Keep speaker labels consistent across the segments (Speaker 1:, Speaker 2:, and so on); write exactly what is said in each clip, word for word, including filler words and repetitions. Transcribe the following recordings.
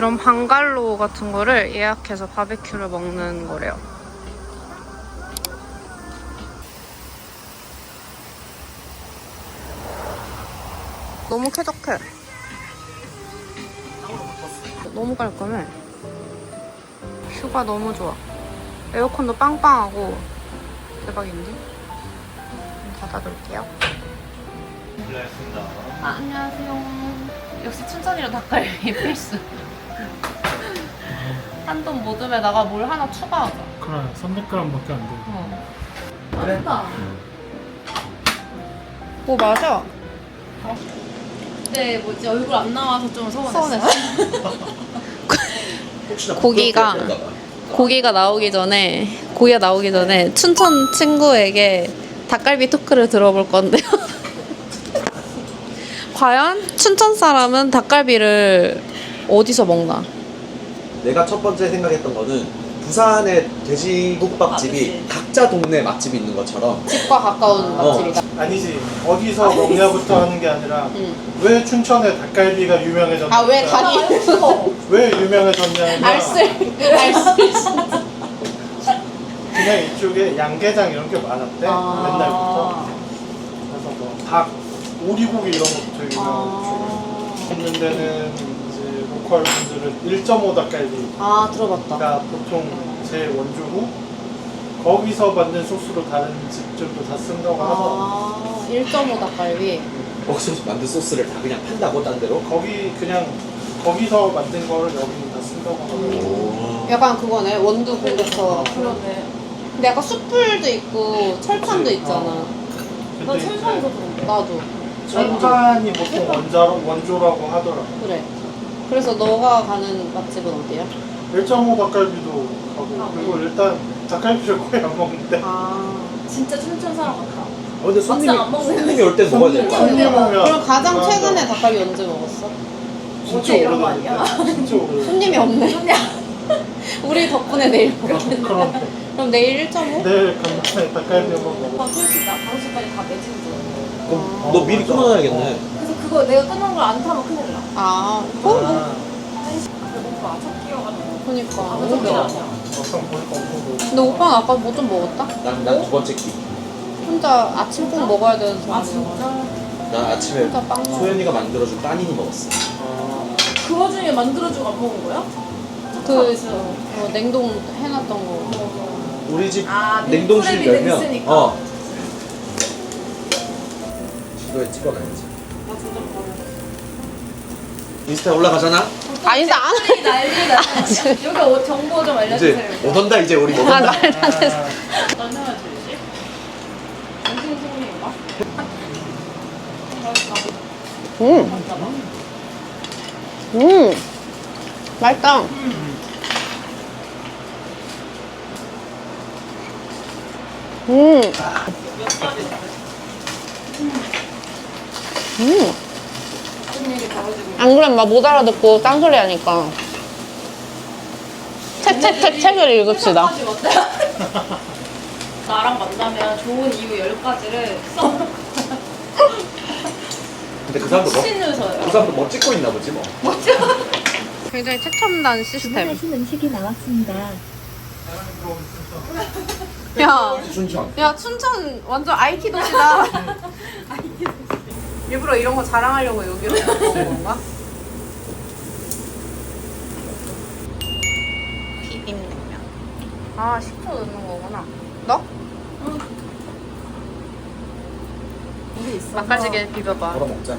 Speaker 1: 이런 방갈로 같은 거를 예약해서 바베큐를 먹는 거래요. 너무 쾌적해. 너무 깔끔해. 뷰가 너무 좋아. 에어컨도 빵빵하고 대박인데? 닫아둘게요.
Speaker 2: 실례했습니다.
Speaker 3: 아, 안녕하세요. 역시 춘천이랑 닭갈비 필수. 한돈 모듬에다가 뭘 하나 추가하자.
Speaker 2: 그래, 삼백 그램밖에 안 돼.
Speaker 3: 어. 맛있다.
Speaker 1: 뭐 맞아?
Speaker 3: 근데 뭐지 얼굴 안 나와서 좀 서운했어.
Speaker 1: 고기가 고기가 나오기 전에 고기가 나오기 전에 춘천 친구에게 닭갈비 토크를 들어볼 건데요. 과연 춘천 사람은 닭갈비를 어디서 먹나?
Speaker 4: 내가 첫 번째 생각했던 거는 부산의 돼지국밥집이 각자 동네 맛집이 있는 것처럼
Speaker 1: 집과 가까운
Speaker 4: 어.
Speaker 1: 맛집이다.
Speaker 2: 아니지, 어디서 먹냐부터 하는 게 아니라
Speaker 1: 응.
Speaker 2: 왜 춘천의 닭갈비가 유명해졌는가?
Speaker 1: 아 왜 다리?
Speaker 2: 왜 유명해졌냐면
Speaker 1: 알쓸 알쓸.
Speaker 2: 그냥 이쪽에 양계장 이런 게 많았대,
Speaker 1: 아.
Speaker 2: 옛날부터. 그래서 뭐 닭, 오리고기 이런 것도 되게 유명하고
Speaker 1: 아,
Speaker 2: 있는 데는 이제 로컬 분들은 일 점 오 닭갈비
Speaker 1: 아 들어봤다.
Speaker 2: 가 보통 제 원조고 거기서 만든 소스로 다른 집들도 다 쓴다고 하더라고.
Speaker 1: 아 일 점 오 닭갈비.
Speaker 4: 거기서 만든 소스를 다 그냥 판다고 딴 데로?
Speaker 2: 거기 그냥 거기서 만든 거를 여기는 다 쓴다고 하더라고.
Speaker 4: 오.
Speaker 1: 약간 그거네 원두 공격처럼.
Speaker 3: 그러네.
Speaker 1: 근데 약간 숯불도 있고 철판도
Speaker 2: 그치.
Speaker 1: 있잖아.
Speaker 2: 어.
Speaker 3: 나
Speaker 2: 근데
Speaker 3: 철판에서
Speaker 2: 이제
Speaker 3: 들었는데.
Speaker 1: 나도.
Speaker 2: 철판이 보통 원자로, 원조라고 하더라고.
Speaker 1: 그래. 그래서 너가 가는 맛집은 어디야?
Speaker 2: 일 점 오 닭갈비도 가고 그리고 일단 닭갈비를 거의 안 먹는데
Speaker 1: 아.
Speaker 3: 진짜 춘천 사람 같다.
Speaker 4: 어, 근데 손님이,
Speaker 3: 막상 안 먹는
Speaker 4: 손님이 올 때 먹어야 될 거 아니야?
Speaker 2: 손님 오면
Speaker 1: 그럼 가장
Speaker 2: 맞아.
Speaker 1: 최근에 닭갈비 언제 먹었어?
Speaker 2: 진짜
Speaker 3: 어제 이런 거
Speaker 2: 오래됐는데 진짜 오래됐는데
Speaker 1: 손님이 없네. 우리 덕분에 내일 먹겠네.
Speaker 2: 그럼
Speaker 1: 그럼 내일 일 점 오?
Speaker 2: 내일 간단히 닭갈비 한번 먹어.
Speaker 3: 아, 솔직히 나 다섯 시까지 다 매진 줄.
Speaker 4: 그럼 너 미리 끊어놔야겠네.
Speaker 3: 그래서 그거 내가 끊은 걸 안 타면 큰일 나.
Speaker 1: 아, 어?
Speaker 2: 아,
Speaker 3: 배고파. 첫 끼여가지고.
Speaker 1: 그니까.
Speaker 3: 아무
Speaker 1: 너무
Speaker 3: 소리
Speaker 1: 배워.
Speaker 3: 아니야.
Speaker 2: 막상 보니까 엄청 먹어.
Speaker 1: 근데 오빠는 아까 뭐 좀 먹었다?
Speaker 4: 난, 난 두 번째 끼.
Speaker 1: 혼자 아침 꼭 먹어야 되는
Speaker 3: 아,
Speaker 1: 사람이야.
Speaker 3: 진짜?
Speaker 4: 난 아침에
Speaker 1: 혼자 빵 먹어.
Speaker 4: 소연이가 만들어준 빠니니 먹었어.
Speaker 2: 아,
Speaker 3: 그 와중에 만들어주고 안 먹은 거야?
Speaker 1: 그 어, 냉동 해놨던 거.
Speaker 4: 우리 집
Speaker 3: 아,
Speaker 4: 냉동실
Speaker 3: 밀프렙이
Speaker 4: 열면
Speaker 3: 있으니까.
Speaker 4: 어 지도에 찍어놔야지.
Speaker 3: 나 진짜 모르겠어.
Speaker 4: 인스타에 올라가잖아?
Speaker 1: 아니, 나 안 해.
Speaker 3: 난리다. 여기 오- 정보 좀
Speaker 4: 이제
Speaker 3: 알려주세요.
Speaker 4: 오던다 이제 우리
Speaker 1: 아,
Speaker 4: 오던다.
Speaker 1: 말도 안 돼.
Speaker 3: 난 해야지. 정신 승리인가? 맛있다.
Speaker 1: 음,
Speaker 3: 맛있다.
Speaker 1: 음. 맛있다. 음. 음.
Speaker 3: 무슨 얘기 벌어지고
Speaker 1: 안 그러면 막 못 알아듣고 딴소리 하니까. 책, 책, 책, 책을 읽읍시다.
Speaker 3: 가지 어때요? 나랑 만나면 좋은 이유 열 가지를 써.
Speaker 4: 근데 그 사람도 뭐, 그
Speaker 3: 신유서요.
Speaker 4: 사람도 뭐 찍고 있나 보지 뭐.
Speaker 1: 굉장히 최첨단 시스템.
Speaker 5: 주문하신 음식이 나왔습니다.
Speaker 1: 야,
Speaker 4: 춘천.
Speaker 1: 야 춘천 완전 아이티 도시다. 일부러 이런 거 자랑하려고 여기로 온 건가? 비빔냉면. 아 식초 넣는 거구나. 너? 응.
Speaker 3: 우리 있어.
Speaker 1: 맛깔지게 비벼봐.
Speaker 4: 걸어 먹자.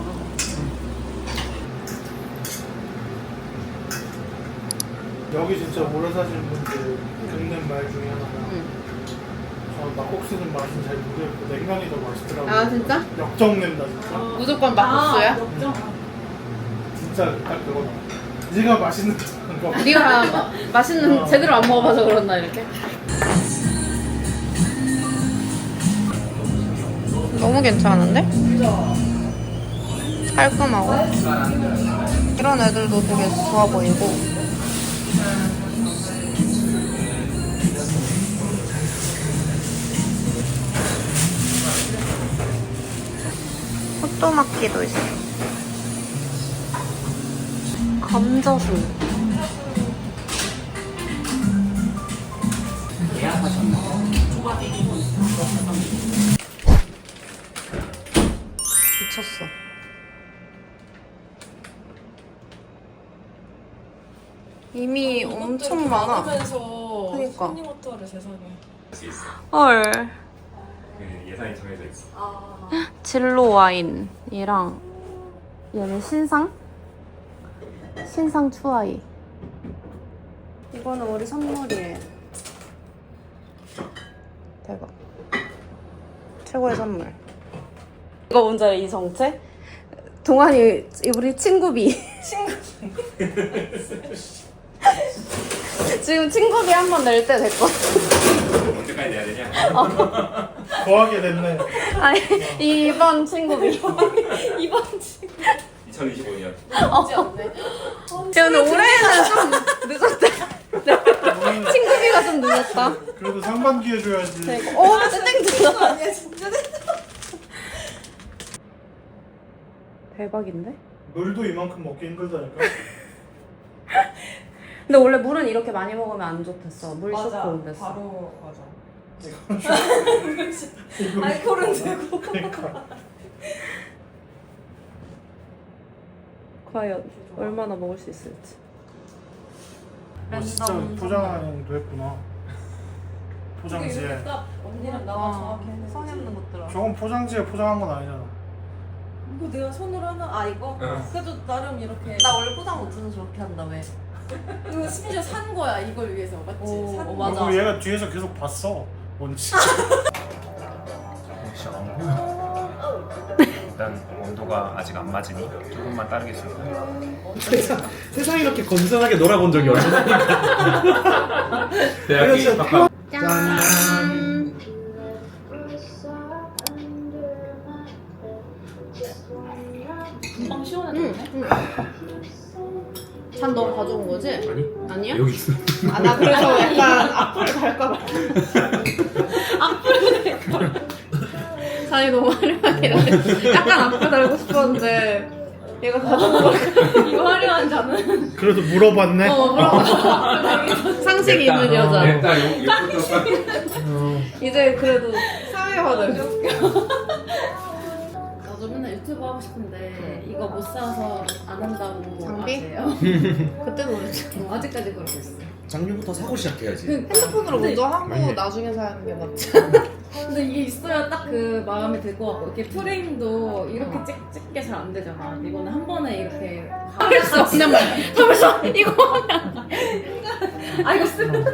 Speaker 2: 여기 진짜 오래 사시는 분들 겪는 말 중에 하나가
Speaker 1: 응.
Speaker 2: 저 막국수는 맛은 잘 모르겠고 냉면이 더 맛있더라고요.
Speaker 1: 아 진짜?
Speaker 2: 역정낸다 진짜.
Speaker 1: 무조건 막국수야?
Speaker 3: 아, 역정.
Speaker 2: 진짜 딱 그거다. 네가 맛있는 거.
Speaker 1: 네가 마- 맛있는
Speaker 2: 어.
Speaker 1: 제대로 안 먹어봐서 그런다 이렇게. 너무 괜찮은데? 깔끔하고 이런 애들도 되게 좋아 보이고. 호또마키도 있어. 감자술. 미쳤어. 이미 엄청 많아.
Speaker 3: 하면서
Speaker 1: 그니까.
Speaker 3: 토니워터를 세상에.
Speaker 1: 헐.
Speaker 5: 예산이 정해져 있어.
Speaker 3: 아.
Speaker 1: 진로 와인이랑 얘는 신상? 신상 추아이. 이거는 우리 선물이에요. 대박. 최고의 선물. 이거 뭔지 알아? 이 정체? 동환이 우리 친구비. 친구비. 지금 친구비 한 번 낼 때 됐거든.
Speaker 5: 언제까지 내야 되냐?
Speaker 2: 거하게 됐네.
Speaker 1: 아니 이번 친구비.
Speaker 3: 이번 주
Speaker 5: 이천이십오 년.
Speaker 3: 쉽지 않네.
Speaker 1: 근데 올해는 좀 늦었대. 친구비가 좀 늦었다.
Speaker 2: 그래도 상반기 해줘야지.
Speaker 1: 오, 땡 들어.
Speaker 3: 아니야 진짜.
Speaker 1: 대박인데?
Speaker 2: 물도 이만큼 먹기 힘들다니까.
Speaker 1: 근데 원래 물은 이렇게 많이 먹으면 안 좋댔어. 물
Speaker 3: 맞아.
Speaker 1: 쇼크 온댔어.
Speaker 3: 바로 맞아.
Speaker 2: 이거
Speaker 3: 알코올은 되고.
Speaker 2: 그러니까.
Speaker 1: 과연 얼마나 먹을 수 있을지.
Speaker 2: 어, 진짜 포장도 했구나. 포장지에.
Speaker 3: 딱 언니랑 나랑 정확히 했는데.
Speaker 1: 성의 없는 것들아.
Speaker 2: 저건 포장지에 포장한 건 아니잖아.
Speaker 3: 이거 내가 손으로 하나 아 이거?
Speaker 5: 응.
Speaker 3: 그래도 나름 이렇게
Speaker 1: 나 원래 포장 못해서 저렇게 한다 왜?
Speaker 3: 이거 심지어 산 거야 이걸 위해서 맞지?
Speaker 1: 오,
Speaker 3: 산
Speaker 1: 어,
Speaker 3: 거.
Speaker 1: 맞아.
Speaker 2: 그리고 얘가 뒤에서 계속 봤어. 뭔지.
Speaker 5: 혹시 안 보여? 일단 온도가 아직 안 맞으니 조금만 따르겠습니다.
Speaker 4: 세상, 세상 이렇게 건전하게 놀아본 적이 없으니까.
Speaker 5: 대학이 바꿔.
Speaker 1: 짠.
Speaker 3: 금방 시원해졌네.
Speaker 1: 잔 너 가져온 거지?
Speaker 5: 아니?
Speaker 1: 아니야?
Speaker 5: 여기 있어.
Speaker 1: 아, 나 그래서 약간 앞으로 갈까봐. 앞으로 갈까봐. 잔이 너무 화려하게 나네. 약간 앞으로 달고 싶었는데 얘가 가져온 거.
Speaker 3: 이거 화려한 잔은
Speaker 2: 그래도 물어봤네.
Speaker 1: 어, 물어봐. 상식이 있는 여자.
Speaker 5: 냈다. 욕부터.
Speaker 1: 이제 그래도 사회화를.
Speaker 3: 나도 맨날 유튜브 하고 싶은데 이거 못 사서 안 한다고
Speaker 1: 장비?
Speaker 3: 하세요.
Speaker 1: 그때도 그랬지.
Speaker 3: 어, 아직까지 그러고 있어.
Speaker 4: 작년부터 사고 시작해야지.
Speaker 1: 핸드폰으로
Speaker 3: 근데-
Speaker 1: 먼저 하고
Speaker 5: 아니.
Speaker 1: 나중에 사는 게 맞지.
Speaker 3: 근데 이게 있어야 딱 그 마음에 들 것 같고 이렇게 프레임도 이렇게 찍, 찍게 잘 안 되잖아. 이거는 한 번에 이렇게
Speaker 1: 할 수 없는 말. 하면서 이거
Speaker 3: 아 이거 쓰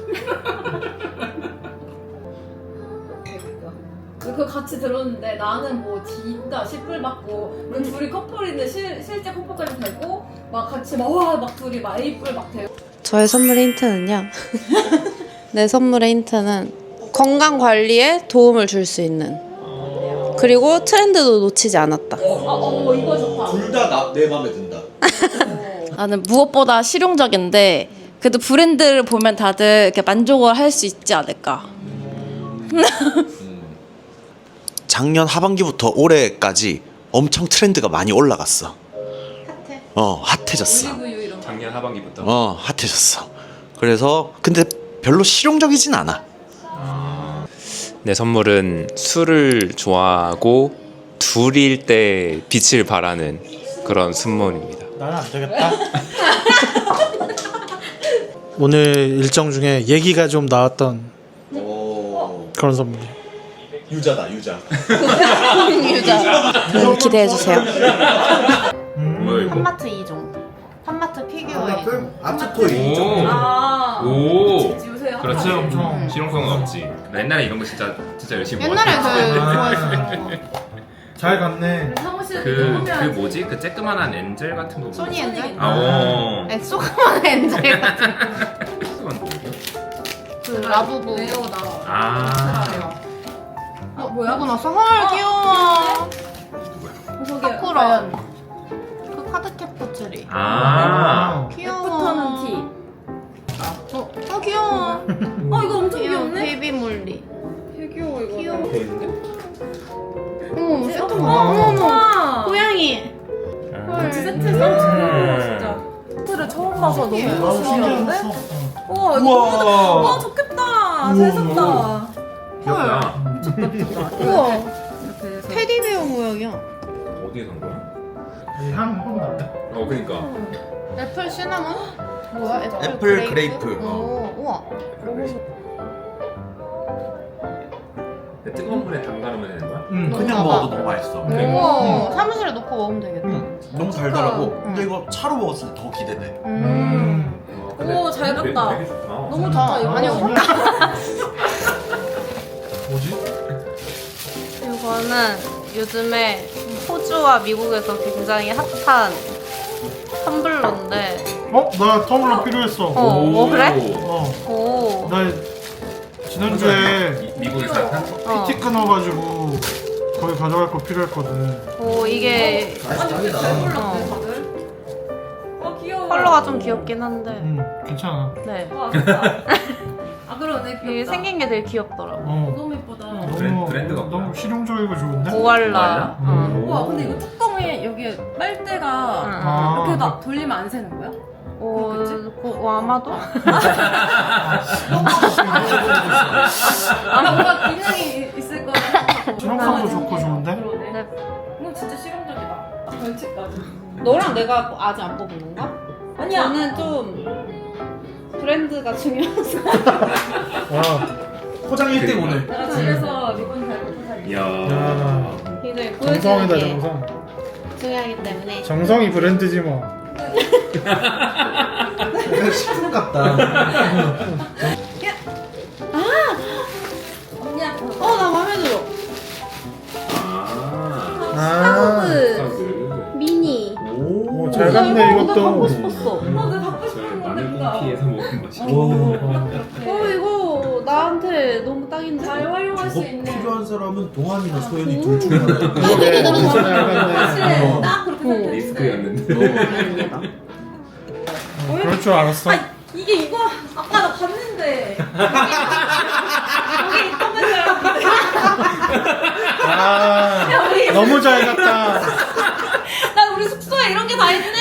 Speaker 3: 그거 같이 들었는데 나는 뭐 진짜 십불 받고 우리 둘이 커플인데 실, 실제 커플까지 되고 막 같이 막와막 둘이 막 에이뿔 막 되고
Speaker 1: 저의 선물 힌트는요. 내 선물의 힌트는 건강 관리에 도움을 줄 수 있는. 그리고 트렌드도 놓치지 않았다.
Speaker 3: 아어 이거 좋다.
Speaker 4: 둘 다 내 마음에 든다.
Speaker 6: 나는 무엇보다 실용적인데 그래도 브랜드를 보면 다들 이렇게 만족을 할 수 있지 않을까.
Speaker 7: 작년 하반기부터 올해까지 엄청 트렌드가 많이 올라갔어.
Speaker 1: 핫해.
Speaker 7: 어, 핫해졌어.
Speaker 3: 올리브유 이런 거.
Speaker 5: 작년 하반기부터.
Speaker 7: 어, 핫해졌어. 그래서 근데 별로 실용적이진 않아.
Speaker 8: 내 선물은 술을 좋아하고 둘일 때 빛을 발하는 그런 선물입니다.
Speaker 2: 나는 안 되겠다. 오늘 일정 중에 얘기가 좀 나왔던
Speaker 4: 오,
Speaker 2: 그런 선물.
Speaker 4: 유자다 유자.
Speaker 1: 네, 기대해주세요.
Speaker 5: 뭐야 이거?
Speaker 1: 한마트 이 종. 한마트 피규어 이 종.
Speaker 4: 아트토이.
Speaker 3: 아
Speaker 5: 오.
Speaker 3: 지우세요.
Speaker 5: 그렇지.
Speaker 2: 엄청.
Speaker 5: 실용성은 없지. 나 옛날에 이런 거 진짜 진짜 열심히
Speaker 1: 옛날에 그
Speaker 5: 모았어.
Speaker 1: 좋아했어.
Speaker 2: 잘 갔네.
Speaker 3: 사무실
Speaker 5: 그, 그 뭐지? 그 쬐끄만한 엔젤 같은 거.
Speaker 1: 소니
Speaker 5: 뭐지?
Speaker 1: 엔젤?
Speaker 5: 아, 오.
Speaker 1: 에, 조그만 엔젤 같은 그 라부부.
Speaker 3: 레오 나.
Speaker 5: 아.
Speaker 3: 어 뭐야?
Speaker 1: 하고 났어. 헐 귀여워.
Speaker 3: 저기
Speaker 1: 사쿠라.
Speaker 3: 과연
Speaker 1: 그 카드캡터 트리.
Speaker 5: 아.
Speaker 1: 귀여워.
Speaker 3: 애프터는 티.
Speaker 1: 어, 어 귀여워.
Speaker 3: 어 이거 엄청
Speaker 1: 귀여워.
Speaker 3: 귀엽네.
Speaker 1: 베이비 몰리.
Speaker 3: 되게 귀여워 이거.
Speaker 1: 귀여워.
Speaker 4: 돼 있는데?
Speaker 1: 어머 세트
Speaker 3: 어머
Speaker 1: 봐. 어머 어머.
Speaker 3: 어머.
Speaker 1: 고양이.
Speaker 3: 같이 세트해서 귀여워 진짜. 처음 봐서 너무
Speaker 2: 나도
Speaker 3: 신기한데?
Speaker 2: 신기했어.
Speaker 3: 우와 이거
Speaker 2: 우와.
Speaker 3: 너무 와 좋겠다. 잘 샀다.
Speaker 5: 귀엽다.
Speaker 1: 우와
Speaker 3: 이렇게 해서
Speaker 1: 테디베어 모양이야.
Speaker 5: 어디에 산 거야?
Speaker 2: 향 난다.
Speaker 5: 어 그러니까.
Speaker 1: 애플 시나몬? 뭐야? 애플,
Speaker 7: 애플 그레이프.
Speaker 1: 오, 우와.
Speaker 5: 뜨거운 물에 담가놓으면 되는 거야?
Speaker 2: 응.
Speaker 7: 그냥 먹어도 너무 맛있어.
Speaker 1: 우와. 사무실에 놓고 먹으면 되겠다.
Speaker 7: 음, 너무 달달하고. 근데 이거 차로 먹었을 때 더 기대돼.
Speaker 1: 음.
Speaker 5: 어,
Speaker 3: 오, 잘
Speaker 5: 되게-
Speaker 3: 갔다.
Speaker 5: 되게 좋다.
Speaker 3: 너무 좋다 이거.
Speaker 1: 아니,
Speaker 2: 뭐지?
Speaker 1: 이거는 요즘에 호주와 미국에서 굉장히 핫한 텀블러인데.
Speaker 2: 어? 나 텀블러 필요했어.
Speaker 1: 어, 어 그래?
Speaker 2: 어.
Speaker 1: 오.
Speaker 2: 나 지난주에
Speaker 5: 미- 미국에서 산
Speaker 1: 어.
Speaker 2: 피티 끊어가지고 거기 가져갈 거 필요했거든.
Speaker 1: 오 이게
Speaker 3: 아니 근데 잘
Speaker 1: 어.
Speaker 3: 골랐네 다들. 아 귀여워.
Speaker 1: 컬러가 좀 귀엽긴 한데.
Speaker 2: 응, 괜찮아.
Speaker 1: 네.
Speaker 3: 와 좋다. 아 그러네
Speaker 1: 이게
Speaker 3: 귀엽다.
Speaker 1: 생긴 게 되게 귀엽더라고.
Speaker 2: 어.
Speaker 3: 너무 예쁘다.
Speaker 5: 브랜-
Speaker 2: 너무
Speaker 5: 브랜드가 뭐야?
Speaker 2: 너무 실용적이고 좋은데?
Speaker 1: 고알라.
Speaker 2: 음.
Speaker 1: 어.
Speaker 3: 우와 근데 이거 뚜껑에 여기 빨대가
Speaker 2: 아,
Speaker 3: 이렇게 막 돌리면 안 새는 거야?
Speaker 1: 오,
Speaker 3: 그렇겠지?
Speaker 1: 고, 어, 아마도?
Speaker 3: 아 뭔가 기능이 있을 거라 생각하고.
Speaker 2: 실용성도 좋고 좋은데?
Speaker 3: 그러네.
Speaker 1: 네.
Speaker 3: 이거 진짜 실용적이다. 벌칙까지.
Speaker 1: 너랑 내가 아직 안 뽑은 건가?
Speaker 3: 아니야.
Speaker 1: 저는 좀 브랜드가 중요해서.
Speaker 2: 와.
Speaker 4: 포장 일 등 오늘.
Speaker 3: 내가 집에서 리본 잘 붙여 살게.
Speaker 5: 이야.
Speaker 2: 야.
Speaker 1: 굉장히
Speaker 2: 정성이다,
Speaker 1: 보여주는 게
Speaker 2: 정성.
Speaker 1: 중요하기 때문에.
Speaker 2: 정성이 브랜드지 뭐.
Speaker 4: 약간 식품 같다.
Speaker 3: 언니야.
Speaker 1: 어, 나 마음에 들어.
Speaker 5: 아.
Speaker 2: 아.
Speaker 1: 그 미니.
Speaker 4: 오.
Speaker 2: 오, 잘 갔네,
Speaker 1: 나 갖고
Speaker 2: 이것도.
Speaker 1: 싶었어.
Speaker 3: 어, 내가 갖고
Speaker 5: 저
Speaker 3: 싶은
Speaker 5: 마늘
Speaker 3: 건데
Speaker 5: 꽁피에서 먹은 맛이.
Speaker 4: 오.
Speaker 1: 어, 이거 나한테 너무 딱인데?
Speaker 3: 잘 활용할 수
Speaker 4: 이거
Speaker 3: 있는.
Speaker 4: 필요한 사람은 동환이나 소연이 둘 중에 하나.
Speaker 2: 그러게, 진짜 잘
Speaker 3: 사실
Speaker 2: 갔네.
Speaker 3: 딱 그렇게 생각했는데.
Speaker 5: 리스크였는데.
Speaker 1: 너무 다행이다.
Speaker 2: 어, 그럴 줄 알았어.
Speaker 3: 이게 이거 아까 나 봤는데 여기 있던 줄 알았는데
Speaker 2: 아, 너무 잘 갔다.
Speaker 3: 난 우리 숙소에 이런 게 다 있네.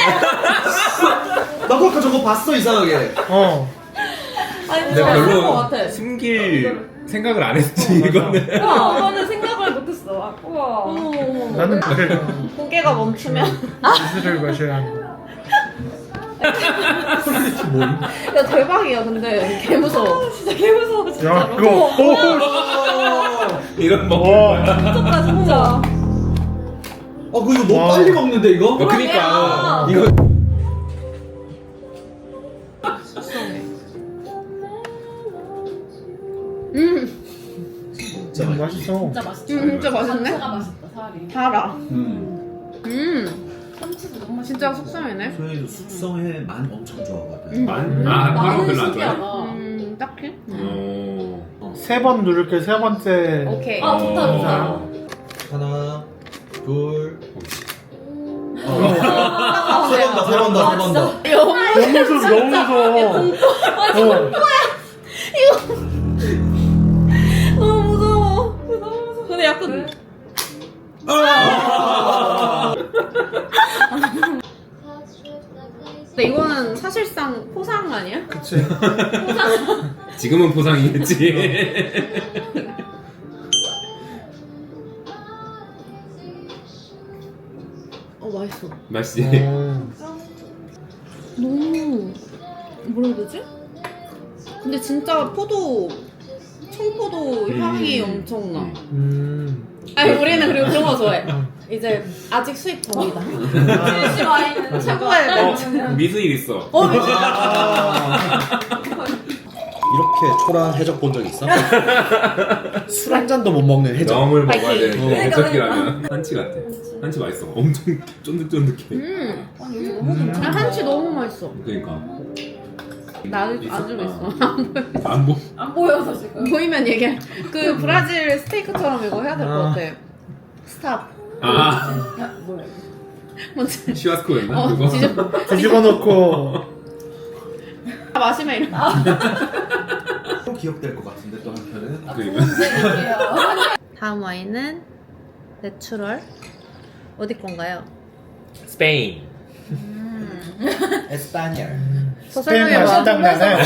Speaker 4: 나도 아까 저거 봤어 이상하게.
Speaker 2: 어.
Speaker 3: 아니
Speaker 5: 근데
Speaker 3: 진짜 있을 것
Speaker 5: 별로
Speaker 3: 같아.
Speaker 5: 숨길 생각을 안 했지 이거는.
Speaker 3: 우와 이거는 생각을 못했어. 아, 우와.
Speaker 1: 어머,
Speaker 2: 나는 그래.
Speaker 1: 고개가 멈추면.
Speaker 2: 이슬을 마셔야 한다.
Speaker 1: 야, 대박이야, 근데. 개 무서워.
Speaker 3: 진짜 개 무서워 진짜.
Speaker 2: 야, 이거, 오!
Speaker 5: 이건 먹는
Speaker 2: 와.
Speaker 5: 거야.
Speaker 3: 미쳤다 진짜.
Speaker 4: 어, 그거 이거 너무
Speaker 2: 와.
Speaker 4: 빨리 먹는데 이거?
Speaker 5: 어, 그니까
Speaker 3: 그러게요.
Speaker 5: 이거
Speaker 1: 음,
Speaker 2: 진짜 맛있어.
Speaker 3: 진짜 맛있다.
Speaker 1: 음, 진짜 맛있네?
Speaker 3: 자체가 맛있다 살이.
Speaker 1: 달아.
Speaker 4: 음.
Speaker 1: 음,
Speaker 3: 참치도 너무 맛있다.
Speaker 1: 진짜 속상이네.
Speaker 4: 소연이도 숙성회 만 엄청 좋아하거든.
Speaker 5: 만? 아, 마늘 별로 안 좋아해?
Speaker 1: 음, 딱히?
Speaker 5: 어.
Speaker 2: 세 번 누를게, 세 번째.
Speaker 1: 오케이.
Speaker 3: 아 좋다 좋다.
Speaker 5: 어.
Speaker 4: 하나, 둘.
Speaker 1: 아,
Speaker 4: 세 번 더, 세 번 더, 세 번 더.
Speaker 2: 너무 무서워, 너무 무서워. 어.
Speaker 3: 너무 무서워. 너무 무서워.
Speaker 1: 근데 약간. 근데 이거는 사실상 포상 아니야?
Speaker 2: 그치.
Speaker 5: 지금은 보상이겠지.
Speaker 1: 어, 맛있어.
Speaker 5: 맛있지.
Speaker 2: 어.
Speaker 1: 너무 뭐라 해야 되지? 근데 진짜 포도 청포도 향이
Speaker 5: 음.
Speaker 1: 엄청나.
Speaker 2: 음.
Speaker 1: 아니 우리는 그리고 그런 거 좋아해. 이제 아직 수입 전이다.
Speaker 3: 일시 와인은
Speaker 1: 최고의
Speaker 5: 어, 미스일 있어.
Speaker 1: 어, 미친.
Speaker 4: 이렇게 초라한 해적 본 적 있어? 술 한 잔도 못 먹는 해적.
Speaker 5: 영을 먹어야
Speaker 1: 파이팅.
Speaker 5: 되는데 해적이라면 한치 같아. 한치 맛있어. 엄청 쫀득쫀득해.
Speaker 1: 음,
Speaker 3: 아니 여기 너무
Speaker 2: 음.
Speaker 1: 아, 한치 너무 맛있어.
Speaker 5: 그러니까.
Speaker 1: 나는
Speaker 5: 있어?
Speaker 1: 안 주고 있어.
Speaker 5: 아, 안 보.
Speaker 3: 안 보여서 지금.
Speaker 1: 보이면 얘기해. 그 브라질 스테이크처럼 이거 해야 될 것
Speaker 2: 아.
Speaker 1: 같아. 스탑.
Speaker 5: 아,
Speaker 3: 야 뭐야 이거.
Speaker 1: 뭔지.
Speaker 5: 슈아스코였나?
Speaker 1: 어,
Speaker 5: 그거?
Speaker 1: 뒤집어.
Speaker 2: 뒤집어 놓고.
Speaker 1: 아, 마시면 이런.
Speaker 4: 또 기억될 것 같은데 또 한편은.
Speaker 5: 그러니까.
Speaker 1: 다음 와인은 내추럴. 어디 건가요?
Speaker 5: 스페인.
Speaker 1: 음.
Speaker 4: 에스파뇰.
Speaker 2: 스페인 맛이 딱 나네.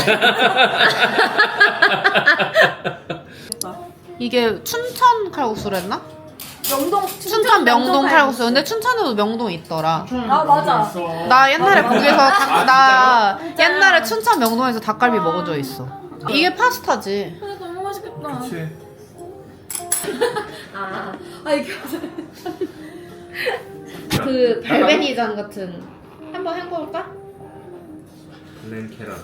Speaker 1: 이게 춘천 칼국수랬나?
Speaker 3: 명동
Speaker 1: 춘천 명동 칼국수. 근데 춘천에도 명동 있더라.
Speaker 3: 아 맞아.
Speaker 1: 나 옛날에 거기서 닭, 나 옛날에 춘천 명동에서 닭갈비 먹은 적 있어. 이게 파스타지.
Speaker 3: 근데 너무 맛있겠다.
Speaker 2: 그치.
Speaker 3: 아, 아 이게
Speaker 1: 그 발베니장 같은. 한번 헹궈볼까?
Speaker 5: 블랙 캐런.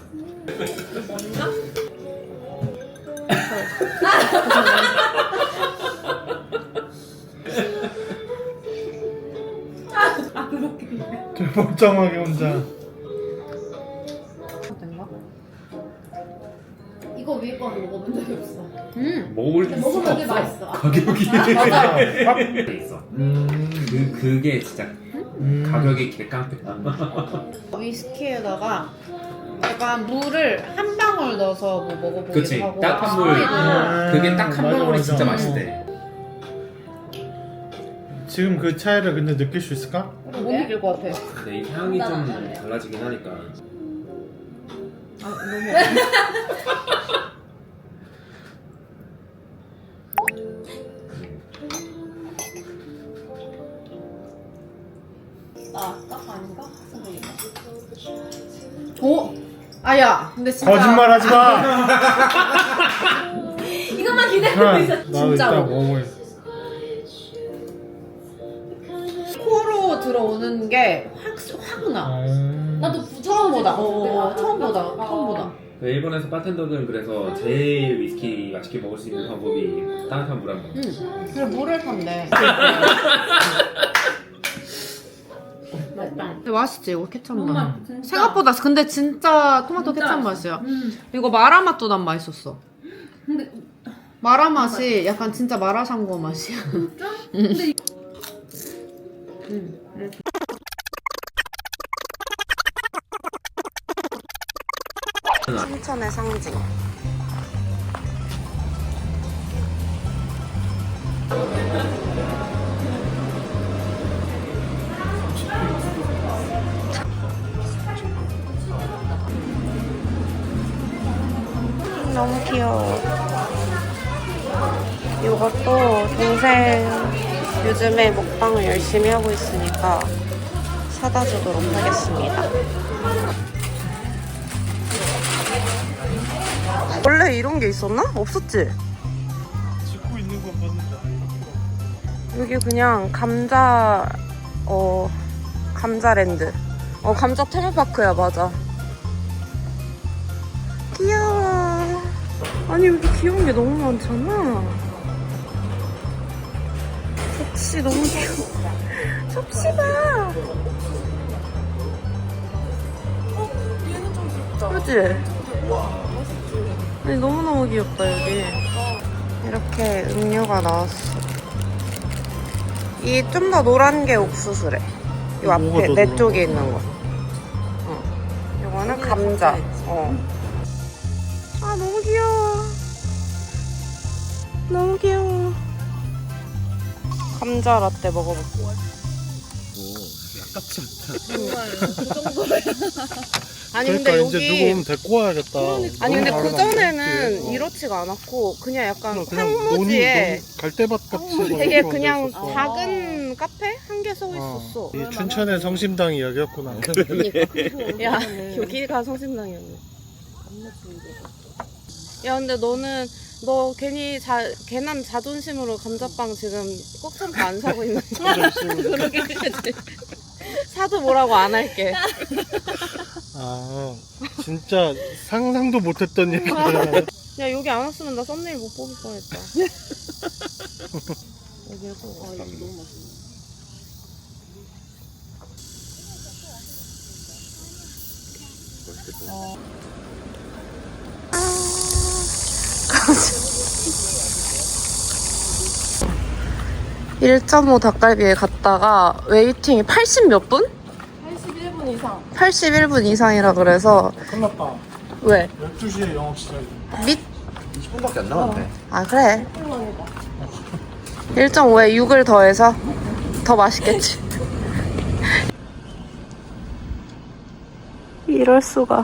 Speaker 2: 되게 멀쩡하게 혼자.
Speaker 3: 이거 위에 거는 먹어본 적이 없어.
Speaker 1: 음.
Speaker 5: 먹을
Speaker 3: 근데 먹으면 되게 맛있어.
Speaker 5: 가격이
Speaker 3: 맞아.
Speaker 5: 있어.
Speaker 2: 음.
Speaker 5: 그 그게 진짜
Speaker 2: 음.
Speaker 5: 가격이 개깡패다.
Speaker 1: 위스키에다가 약간 물을 한 방울 넣어서 뭐 먹어보기도
Speaker 5: 그치,
Speaker 1: 하고.
Speaker 5: 따뜻한 물.
Speaker 1: 스프레이도.
Speaker 5: 그게 딱 한
Speaker 2: 맞아,
Speaker 5: 방울이
Speaker 2: 맞아.
Speaker 5: 진짜 맛있대.
Speaker 2: 지금 그 차이를 근데 느낄 수 있을까?
Speaker 1: 못 느낄 것 같아.
Speaker 5: 근데 이 향이 좀 달라지긴 하니까.
Speaker 1: 아, 너무.
Speaker 3: 나딱 아닌가? 선생님.
Speaker 1: 오! 아야, 근데 진짜.
Speaker 2: 거짓말 하지 마!
Speaker 3: 이것만 기다리고 있어.
Speaker 2: 나도 이따
Speaker 1: 진짜로.
Speaker 2: 먹어보겠어.
Speaker 1: 코로 들어오는 게 확, 확 나.
Speaker 2: 음.
Speaker 3: 나도 부처
Speaker 1: 처음보다. 어, 어, 처음보다. 처음보다.
Speaker 5: 일본에서 바텐더들은 그래서 제일 위스키 맛있게 먹을 수 있는 방법이 따뜻한 물 한 번.
Speaker 1: 응. 그래, 물을 탄대. 근데 맛있지, 이거 케찹 맛. 생각보다, 근데 진짜 토마토
Speaker 3: 진짜
Speaker 1: 케찹
Speaker 3: 맛있어.
Speaker 1: 맛이야.
Speaker 3: 음.
Speaker 1: 이거 마라 맛도 난 맛있었어.
Speaker 3: 근데
Speaker 1: 마라 맛이 약간 진짜 마라샹궈 맛이야.
Speaker 3: 근데
Speaker 1: 음. 춘천의 상징. 너무 귀여워. 이것도 동생 요즘에 먹방을 열심히 하고 있으니까 사다 주도록 하겠습니다. 원래 이런 게 있었나? 없었지?
Speaker 2: 찍고 있는 건 봤는데.
Speaker 1: 여기 그냥 감자, 어, 감자랜드. 어, 감자 테마파크야, 맞아. 귀여워. 아니, 여기 귀여운 게 너무 많잖아. 접시 너무 귀여워. 접시 봐. 그치? 아니, 너무너무 귀엽다, 여기. 이렇게 음료가 나왔어. 이 좀 더 노란 게 옥수수래. 요
Speaker 2: 뭐가
Speaker 1: 앞에
Speaker 2: 더
Speaker 1: 내
Speaker 2: 노란
Speaker 1: 쪽에 있는 거. 어. 요거는 감자. 어. 아 너무 귀여워. 너무 귀여워. 감자 라떼 먹어볼게. 아니
Speaker 2: 그러니까
Speaker 1: 근데
Speaker 2: 이제
Speaker 1: 여기
Speaker 2: 누구 오면 데리고 와야겠다.
Speaker 1: 아니 근데
Speaker 2: 너무
Speaker 1: 그 전에는
Speaker 2: 알아봤네.
Speaker 1: 이렇지가 않았고 그냥 약간
Speaker 2: 그냥
Speaker 1: 황무지에
Speaker 2: 논이- 갈대밭 같이
Speaker 1: 되게
Speaker 2: 막
Speaker 1: 그냥
Speaker 2: 있었어.
Speaker 1: 작은 카페 한 개 서
Speaker 2: 어.
Speaker 1: 있었어.
Speaker 2: 이 춘천의 성심당이 여기였구나.
Speaker 1: 야 여기가 성심당이었네. 야 근데 너는 너 괜히 자 괜한 자존심으로 감자빵 지금 꼭 참고 안 사고 있는 거야. 그러게 그치. 사도 뭐라고 안 할게.
Speaker 2: 아 진짜 상상도 못했던 얘기야.
Speaker 1: 야 여기 안 왔으면 나 썸네일 못 뽑을 뻔했다. 여기에서 아 이거 너무 맛있네. 어. 일 점 오 닭갈비에 갔다가 웨이팅이 팔십 몇 분?
Speaker 3: 팔십일 분 이상.
Speaker 1: 팔십일 분 이상이라 그래서
Speaker 2: 큰일 났다.
Speaker 1: 왜?
Speaker 2: 열두 시에 영업 시작이야.
Speaker 1: 밑?
Speaker 4: 이십 분밖에 안 남았네.
Speaker 1: 아 그래 일 점 오에 육을 더해서 더 맛있겠지. 이럴 수가.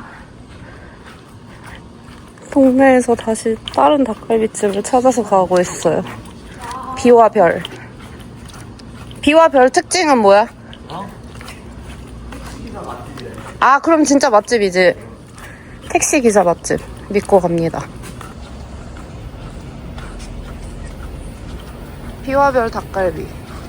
Speaker 1: 동네에서 다시 다른 닭갈비집을 찾아서 가고 있어요. 비와 별. 비와 별 특징은 뭐야? 아, 그럼 진짜 맛집이지. 택시 기사 맛집 믿고 갑니다. 비와 별 닭갈비.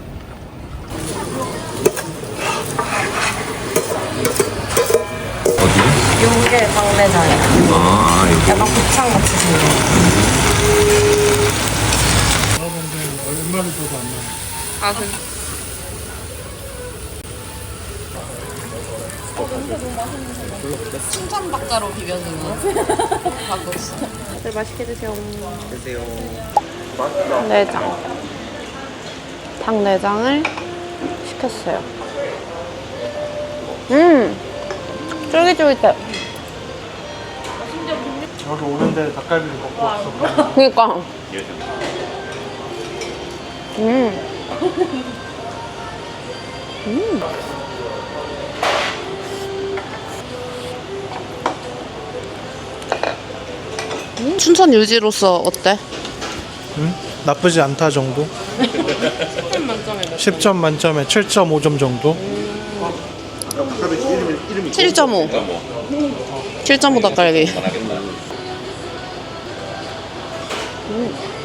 Speaker 1: 요게 방대장이야.
Speaker 7: 아, 이거.
Speaker 1: 약간 곱창 같이 생긴.
Speaker 2: 얼마를 줘도 안 나와.
Speaker 1: 아, 그. 춘천박자로 비벼주는 닭국수. 다들 맛있게 드세요.
Speaker 4: 드세요.
Speaker 1: 내장. 닭 내장을 시켰어요. 음, 쫄깃쫄깃해.
Speaker 2: 저기 오는데 닭갈비를 먹고 왔어.
Speaker 1: 그니까. 음. 음. 음. 춘천 유지로서 어때?
Speaker 2: 응? 나쁘지 않다 정도?
Speaker 1: 십 점 만점에 몇
Speaker 2: 십 점 만점에 칠 점 오 점 정도?
Speaker 1: 칠 점 오. 칠 점 오 닭갈비. 음.